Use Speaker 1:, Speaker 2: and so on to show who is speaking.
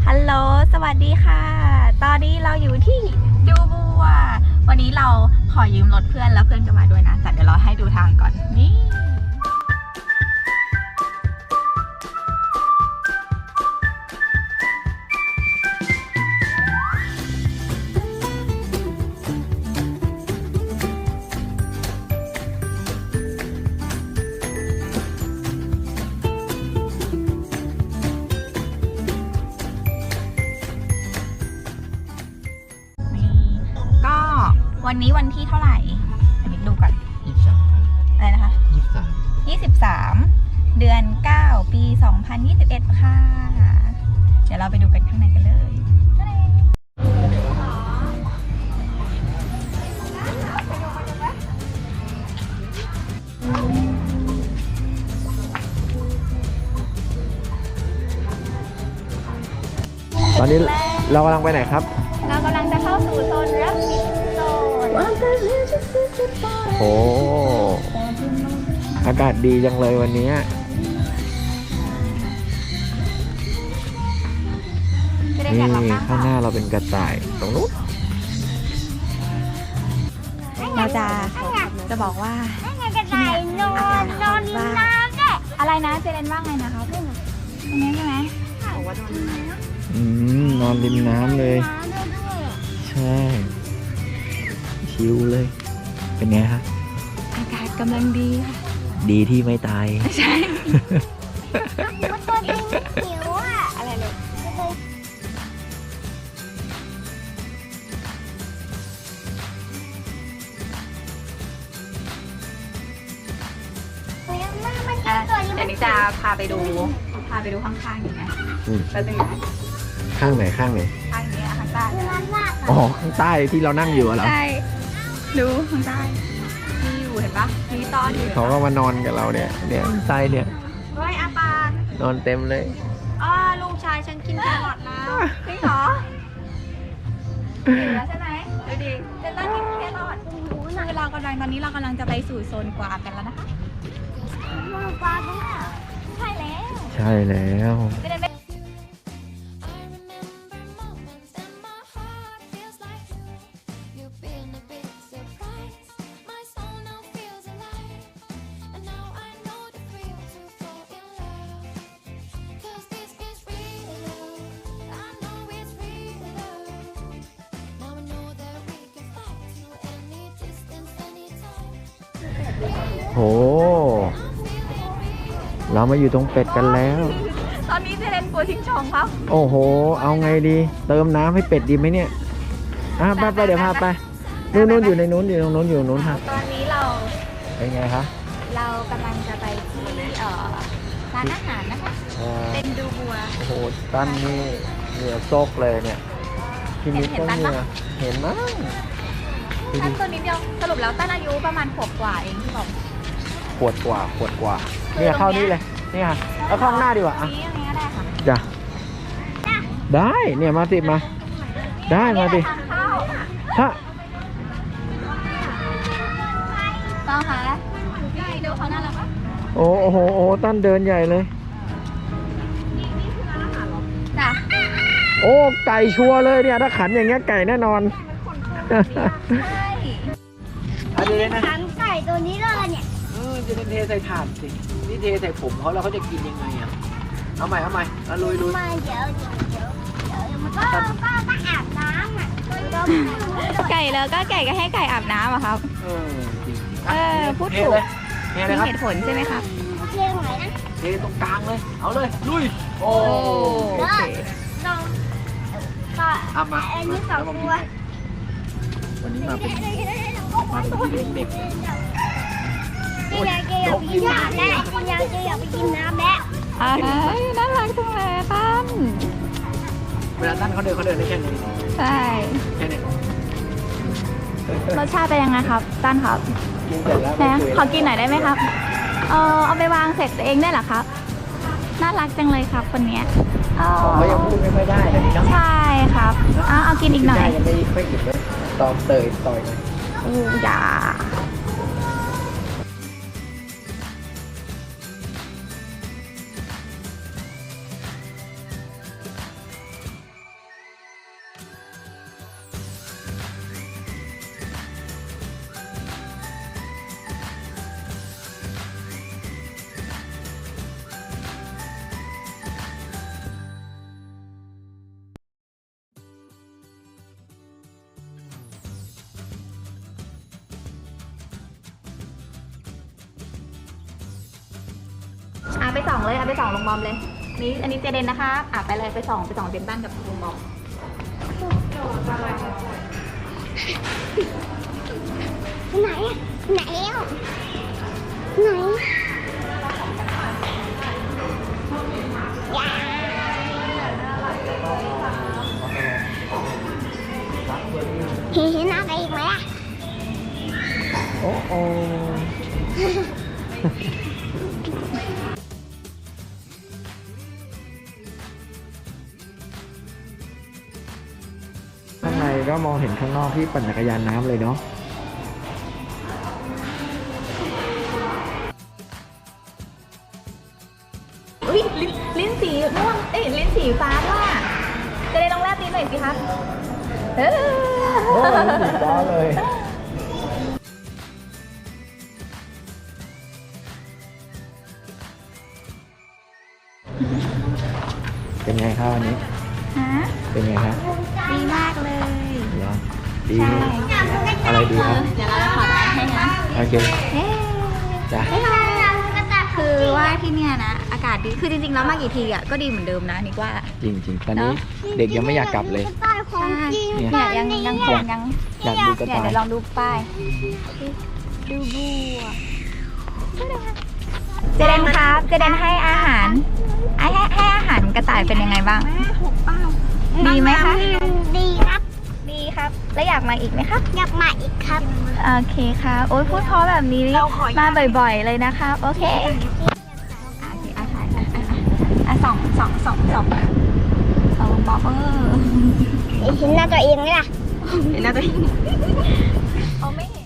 Speaker 1: ฮัลโหลสวัสดีค่ะ ตอนนี้เราอยู่ที่ดูบัววันนี้เราขอยืมรถเพื่อนแล้วเพื่อนก็มาด้วยนะแต่เดี๋ยวเราให้ดูทางก่อนนี่ก็วันนี้วันที่เท่าไหร่เดี๋ยวดูก่อน
Speaker 2: 23
Speaker 1: อะไรนะคะ 23 เดือน 9 ปี 2021 ค่ะ เดี๋ยวเราไปดูกันข้างในกันเลย
Speaker 2: ตอนนี้เรากำลังไปไหนครับ
Speaker 1: เรากำลังจะเข้าสู่โซนรับบิทโซน
Speaker 2: โอ้อากาศดีจังเลยวันนี้
Speaker 1: จะได้
Speaker 2: นี่
Speaker 1: แข่งรับน้
Speaker 2: ข้างหน้าเราเป็นกระต่ายตรงนู้น
Speaker 1: เราจะบอกว่าที่เนี่ยอากาศร้อนมากอะไรนะเจเรนว่าไงนะคะตรงนี้ใช่ไหมบอกว่านอนน้ำ
Speaker 2: นอนริมน้ำเลย ใช่ ชิลเลย เป็นไงฮะ
Speaker 1: อากาศกำลังดีค่ะ
Speaker 2: ดีที่ไม่ตาย
Speaker 1: ใช่
Speaker 3: หิวอ่ะ
Speaker 1: อะไรเลย เดี๋ยวนี้จะพาไปดูข้างๆอยู่นะ
Speaker 2: อืม
Speaker 1: แป๊บนึงนะ
Speaker 2: ข้างไหนข้างไหน
Speaker 1: ข้างนี้ข้างใต้
Speaker 2: อ๋อ ข้างใต้ที่เรานั่งอยู่อะเหรอ
Speaker 1: ใช่ดูข้างใต้มีอยู่เห็นปะมีตอนอยู่
Speaker 2: เขาก็มานอนกับเราเนี่ยข้างใต้เนี่ย
Speaker 1: เฮ้ยอาปาน
Speaker 2: นอนเต็มเลย
Speaker 1: ลูกชายฉันกินแครอทแล้วจริงเหรอหิวแล้วใช่ไหมดูดิเจนต้ากินแครอทคือเรากำลังตอนนี้เรากำลังจะไปสู่โซนกวางกันแล้วนะคะ
Speaker 3: ปลาเนี่ย
Speaker 1: ใช่แล้ว
Speaker 2: ใช่แล้ว
Speaker 1: จะได้ไม่
Speaker 2: โห เรามาอยู่ตรงเป็ดกันแล้ว
Speaker 1: ตอนนี้เจเรนกลัวชิงชองครับ
Speaker 2: โอ้โห เอาไงดี เติมน้ำให้เป็ดดีไหมเนี่ยไปเดี๋ยวพาไป นู่นอยู่ในนู้นอยู่ตรงนู้นอยู่ตรงนู้นครับ
Speaker 1: ตอนนี้เรา
Speaker 2: เป็นไงคะ
Speaker 1: เรากำลังจะไปที่ร้านอาหารนะคะ เป็นดูบัว
Speaker 2: โอ้โห ตั้นนี่เหงื่อโซกเลยเนี่ยพี่นิดก็เหงื่อเห็นมั้งดู
Speaker 1: ตั้
Speaker 2: ดิ
Speaker 1: นตัวนิดเดียวสรุปแล้วตั้นอายุประมาณขวบกว่าเองที่บอก
Speaker 2: ขวดกว่าเนี่ยเข้านี่เลยเนี่ยเอาเข้าข้างหน้าดีกว่าอ่ะ
Speaker 1: นี้ก็ได้ค่ะ
Speaker 2: จ้ะได้เนี่ยมาสิมา ได้มาสิ
Speaker 1: ทางเข้า
Speaker 2: ถ้า
Speaker 1: ต้องค่ะดูเขาน่ารักปะ
Speaker 2: โอ้โหตั้นเดินใหญ่เลย
Speaker 1: จ้ะ
Speaker 2: โอ้ไก่ชัวร์เลยเนี่ยถ้าขันอย่างเงี้ยไก่แน่นอน
Speaker 1: ใช่
Speaker 2: อันนี้นะ
Speaker 3: ขังไก่ตัวนี้เลยเนี่ย
Speaker 2: จะเป็นเทใส่ถาดสินี่เทใส่ผมเขาแล้วเขาจะกินยังไงอ่ะเอาใหม่แล้วลุย
Speaker 3: มาเดี๋ยวมันก็อาบน้ำอ่ะก็
Speaker 1: ไก่แล้วก็ไก่ก็ให้ไก่อาบน้ำอะครับ
Speaker 2: จริง
Speaker 1: พูดถูก
Speaker 2: เท
Speaker 1: มี
Speaker 2: เลยครับ
Speaker 1: เหตุผลใช่ไหมครับ
Speaker 3: เรียกไหนนะ
Speaker 2: เทตรงกลางเลยเอาเลยลุยโอ้
Speaker 1: โอเค
Speaker 3: ลองก็
Speaker 2: เอามา
Speaker 3: อันนี้สองตัว
Speaker 2: วันนี้มาเป็นเด็ก
Speaker 3: พี่ยายแกอยากไปกินน้ำแล้วพี่ยายแกอยากไปกินน้ำแล้ว
Speaker 1: น่ารักจังเลยตั้น
Speaker 2: เวลาตั้นเขาเดินได้แค่นี้
Speaker 1: ใช่
Speaker 2: แค่นี้
Speaker 1: รสชาติเป็นยังไงครับตั้นครับ
Speaker 2: กินเสร็จแล้ว
Speaker 1: นะขอกินหน่อยได้ไหมครับเอาไปวางเสร็จเองได้เหรอครับ น่ารักจังเลยครับคนเนี้ย
Speaker 2: เขายังพูดไม่ค่อยได้เลยนะ
Speaker 1: ใช่ครับเอากินอีกหน่อย
Speaker 2: ได้ยังไม่ค่อยอิ่มเลยตอมเตยต่อยเลย
Speaker 1: อย่าส่องเลยเอาไปส่องลุงบอมเลยนี่อันนี้เจเดนนะคะไปเลยไปส่องเดนบ้านกับลุงบอม
Speaker 3: ไหนอะไหนอ่ะไหนยาเห็นอะไรอีกไหมอ่ะ
Speaker 2: โอ้โอข้างในก็มองเห็นข้างนอกที่ปั่นจักรยานน้ำเลยเนาะ
Speaker 1: อุ้ยลิ้นสีม่วงลิ้นสีฟ้าด้วยเจเดนลองแลบลิ้นหน่อยสิครับ
Speaker 2: โอ้สีฟ้าเลยเป็นไงครับวันนี้
Speaker 1: ฮะ
Speaker 2: เป็นไงครับ
Speaker 1: ดีมากเลย
Speaker 2: เหรอดี
Speaker 1: ใช่
Speaker 2: อะไรดีครับ
Speaker 1: เดี๋ยวเราจะถอดแมสให้นะ
Speaker 2: โอเค
Speaker 1: เอ๊ะ
Speaker 2: จ้ะ
Speaker 1: คือว่าที่เนี่ยนะอากาศดีคือจริงๆแล้วมากี่ทีอ่ะก็ดีเหมือนเดิมนะนิกว่า
Speaker 2: จริงๆ ตอนนี้เด็กยังไม่อยากกลับเลย
Speaker 1: เนี่ยยังคงยัง
Speaker 2: อยากดูกระ
Speaker 1: เนี่ย
Speaker 2: ต่าย
Speaker 1: เดี๋ยวลองดูป้ายดูบัวเจเดนครับเจเดนให้อาหารให้อาหารกระต่ายเป็นยังไงบ้างดีไหมคะ
Speaker 3: ดีครับ
Speaker 1: ดีครับแล้วอยากมาอีกไหมครับ
Speaker 3: อยากมาอีกครับ
Speaker 1: โอเคครับโอ้ยพูดเพราะแบบนี้มาบ่อยๆเลยนะครับโอเคอาหารส่องบอก
Speaker 3: เห็นหน้าตัวเองไหมล่ะ
Speaker 1: เห็นแล้วตัวเองเขาไม่เห็น